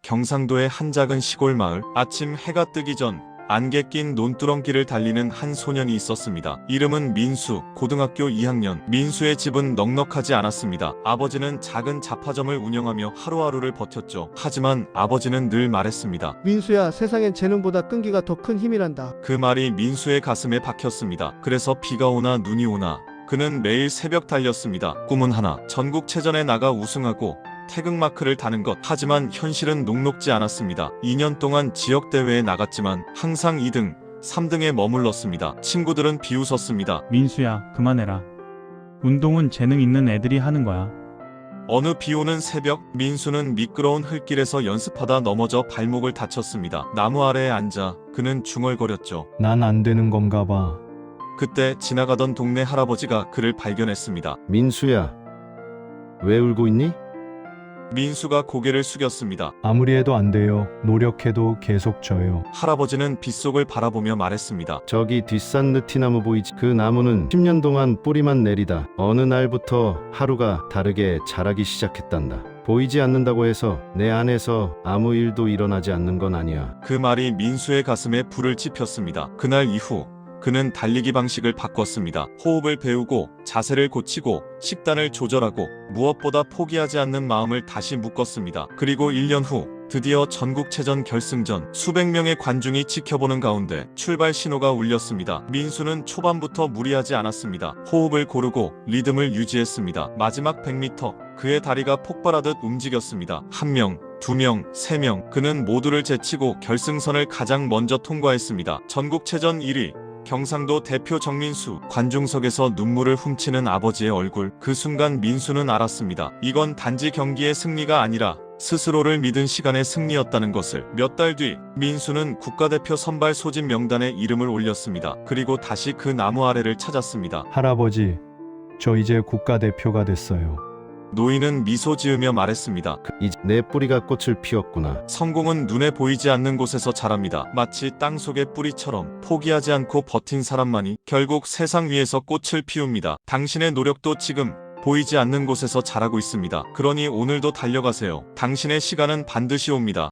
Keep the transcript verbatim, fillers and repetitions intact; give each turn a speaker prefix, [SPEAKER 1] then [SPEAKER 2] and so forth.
[SPEAKER 1] 경상도의 한 작은 시골 마을. 아침 해가 뜨기 전 안개 낀 논두렁길을 달리는 한 소년이 있었습니다. 이름은 민수, 고등학교 이 학년. 민수의 집은 넉넉하지 않았습니다. 아버지는 작은 잡화점을 운영하며 하루하루를 버텼죠. 하지만 아버지는 늘 말했습니다.
[SPEAKER 2] 민수야, 세상엔 재능보다 끈기가 더 큰 힘이란다.
[SPEAKER 1] 그 말이 민수의 가슴에 박혔습니다. 그래서 비가 오나 눈이 오나 그는 매일 새벽 달렸습니다. 꿈은 하나, 전국체전에 나가 우승하고 태극마크를 다는 것. 하지만 현실은 녹록지 않았습니다. 이 년 동안 지역대회에 나갔지만 항상 이 등, 삼 등에 머물렀습니다. 친구들은 비웃었습니다.
[SPEAKER 3] 민수야, 그만해라. 운동은 재능 있는 애들이 하는 거야.
[SPEAKER 1] 어느 비오는 새벽, 민수는 미끄러운 흙길에서 연습하다 넘어져 발목을 다쳤습니다. 나무 아래에 앉아 그는 중얼거렸죠.
[SPEAKER 4] 난 안 되는 건가 봐.
[SPEAKER 1] 그때 지나가던 동네 할아버지가 그를 발견했습니다.
[SPEAKER 5] 민수야, 왜 울고 있니?
[SPEAKER 1] 민수가 고개를 숙였습니다.
[SPEAKER 4] 아무리 해도 안 돼요. 노력해도 계속 져요.
[SPEAKER 1] 할아버지는 빗속을 바라보며 말했습니다.
[SPEAKER 5] 저기 뒷산 느티나무 보이지? 그 나무는 십 년 동안 뿌리만 내리다 어느 날부터 하루가 다르게 자라기 시작했단다. 보이지 않는다고 해서 내 안에서 아무 일도 일어나지 않는 건 아니야.
[SPEAKER 1] 그 말이 민수의 가슴에 불을 지폈습니다. 그날 이후 그는 달리기 방식을 바꿨습니다. 호흡을 배우고 자세를 고치고 식단을 조절하고 무엇보다 포기하지 않는 마음을 다시 묶었습니다. 그리고 일 년 후 드디어 전국체전 결승전, 수백 명의 관중이 지켜보는 가운데 출발 신호가 울렸습니다. 민수는 초반부터 무리하지 않았습니다. 호흡을 고르고 리듬을 유지했습니다. 마지막 백 미터 그의 다리가 폭발하듯 움직였습니다. 한 명, 두 명, 세 명, 그는 모두를 제치고 결승선을 가장 먼저 통과했습니다. 전국체전 일 위 경상도 대표 정민수. 관중석에서 눈물을 훔치는 아버지의 얼굴. 그 순간 민수는 알았습니다. 이건 단지 경기의 승리가 아니라 스스로를 믿은 시간의 승리였다는 것을. 몇 달 뒤 민수는 국가대표 선발 소집 명단에 이름을 올렸습니다. 그리고 다시 그 나무 아래를 찾았습니다.
[SPEAKER 4] 할아버지, 저 이제 국가대표가 됐어요.
[SPEAKER 1] 노인은 미소 지으며 말했습니다.
[SPEAKER 5] 이제 내 뿌리가 꽃을 피웠구나.
[SPEAKER 1] 성공은 눈에 보이지 않는 곳에서 자랍니다. 마치 땅속의 뿌리처럼 포기하지 않고 버틴 사람만이 결국 세상 위에서 꽃을 피웁니다. 당신의 노력도 지금 보이지 않는 곳에서 자라고 있습니다. 그러니 오늘도 달려가세요. 당신의 시간은 반드시 옵니다.